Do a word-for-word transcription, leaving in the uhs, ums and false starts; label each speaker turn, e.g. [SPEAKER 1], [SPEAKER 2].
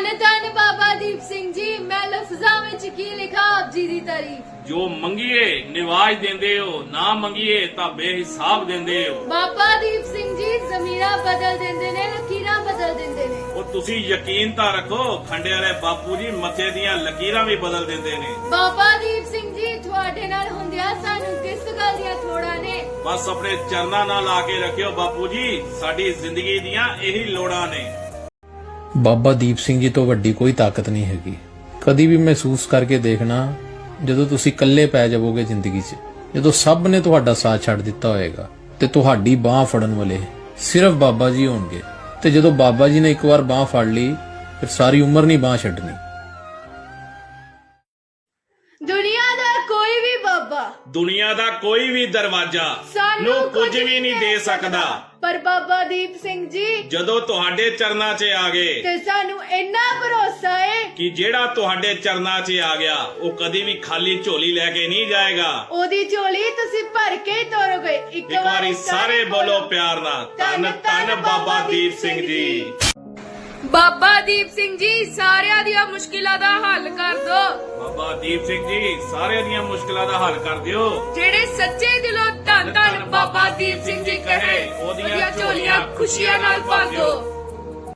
[SPEAKER 1] धन बाबा दीप सिंह जी, मैं लफ्ज़ां विच की लिखा आप जी दी तारीफ।
[SPEAKER 2] जो मंगीए निवाज देंदे हो, ना मंगीए तां बेहिसाब देंदे हो।
[SPEAKER 1] बाबा दीप सिंह जी ज़मीरां बदल देंदे ने, लकीरां बदल देंदे ने।
[SPEAKER 2] ਉਹ ਤੁਸੀਂ ਯਕੀਨ ਤਾਂ ਰੱਖੋ, ਖੰਡੇ ਵਾਲੇ ਬਾਪੂ ਜੀ ਮੱਥੇ ਦੀਆਂ ਲਕੀਰਾਂ ਵੀ ਬਦਲ ਦਿੰਦੇ ਨੇ।
[SPEAKER 1] बाबा दीप सिंह जी ਤੁਹਾਡੇ ਨਾਲ ਹੁੰਦਿਆਂ ਸਾਨੂੰ ਕਿਸ ਗੱਲ ਦੀਆਂ ਥੋੜਾਂ ਨੇ।
[SPEAKER 2] ਬਸ ਆਪਣੇ ਚਰਨਾਂ ਨਾਲ ਲਾ ਕੇ ਰੱਖਿਓ ਬਾਪੂ ਜੀ, ਸਾਡੀ ਜ਼ਿੰਦਗੀ ਦੀਆਂ ਇਹੀ ਲੋੜਾਂ ਨੇ।
[SPEAKER 3] ਬਾਬਾ ਦੀਪ ਸਿੰਘ ਜੀ ਤੋਂ ਵੱਡੀ ਕੋਈ ਤਾਕਤ ਨਹੀਂ ਹੈਗੀ। ਕਦੀ ਵੀ ਮਹਿਸੂਸ ਕਰਕੇ ਦੇਖਣਾ, ਜਦੋਂ ਤੁਸੀਂ ਇਕੱਲੇ ਪੈ ਜਾਵੋਗੇ ਜ਼ਿੰਦਗੀ 'ਚ, ਜਦੋਂ ਸਭ ਨੇ ਤੁਹਾਡਾ ਸਾਥ ਛੱਡ ਦਿੱਤਾ ਹੋਏਗਾ ਤੇ ਤੁਹਾਡੀ ਬਾਹ ਫੜਨ ਵਾਲੇ ਸਿਰਫ ਬਾਬਾ ਜੀ ਹੋਣਗੇ। ਤੇ ਜਦੋਂ ਬਾਬਾ ਜੀ ਨੇ ਇੱਕ ਵਾਰ ਬਾਹ ਫੜ ਲਈ, ਫਿਰ ਸਾਰੀ ਉਮਰ ਨਹੀਂ ਬਾਹ ਛੱਡਣੀ।
[SPEAKER 1] ਦੁਨੀਆ ਦਾ ਕੋਈ ਵੀ ਬਾਬਾ,
[SPEAKER 2] ਦੁਨੀਆ ਦਾ ਕੋਈ ਵੀ ਦਰਵਾਜ਼ਾ
[SPEAKER 1] ਸਾਨੂੰ
[SPEAKER 2] ਨੂੰ ਕੁਝ ਵੀ ਨਹੀਂ ਦੇ ਸਕਦਾ,
[SPEAKER 1] ਪਰ ਬਾਬਾ ਦੀਪ ਸਿੰਘ ਜੀ
[SPEAKER 2] ਜਦੋਂ ਤੁਹਾਡੇ ਚਰਨਾਂ 'ਚ ਆ ਗਏ
[SPEAKER 1] ਤੇ ਸਾਨੂੰ ਇੰਨਾ ਭਰੋਸਾ ਏ
[SPEAKER 2] ਕਿ ਜਿਹੜਾ ਤੁਹਾਡੇ ਚਰਨਾਂ 'ਚ ਆ ਗਿਆ ਉਹ ਕਦੀ ਵੀ ਖਾਲੀ ਝੋਲੀ ਲੈ ਕੇ ਨਹੀਂ ਜਾਏਗਾ।
[SPEAKER 1] ਉਹਦੀ ਝੋਲੀ ਤੁਸੀਂ ਭਰ ਕੇ ਹੀ ਤੋਰੋਗੇ।
[SPEAKER 2] ਇੱਕ ਵਾਰੀ ਸਾਰੇ ਬੋਲੋ ਪਿਆਰ ਨਾਲ, ਧੰਨ ਧੰਨ ਬਾਬਾ ਦੀਪ ਸਿੰਘ ਜੀ।
[SPEAKER 1] ਬਾਬਾ ਦੀਪ ਸਿੰਘ ਜੀ ਸਾਰਿਆਂ ਦੀਆਂ ਮੁਸ਼ਕਿਲਾਂ ਦਾ ਹੱਲ ਕਰ ਦੋ।
[SPEAKER 2] ਬਾਬਾ ਦੀਪ ਸਿੰਘ ਜੀ ਸਾਰਿਆਂ ਦੀਆਂ ਮੁਸ਼ਕਿਲਾਂ ਦਾ ਹੱਲ ਕਰ ਦਿਓ।
[SPEAKER 1] ਜਿਹੜੇ ਸੱਚੇ ਦਿਲੋਂ ਧੰਨ ਧੰਨ ਬਾਬਾ ਦੀਪ ਸਿੰਘ ਜੀ ਕਹੇ, ਉਹਦੀਆਂ ਝੋਲੀਆਂ ਖੁਸ਼ੀਆਂ ਨਾਲ ਭਰ ਦਿਓ।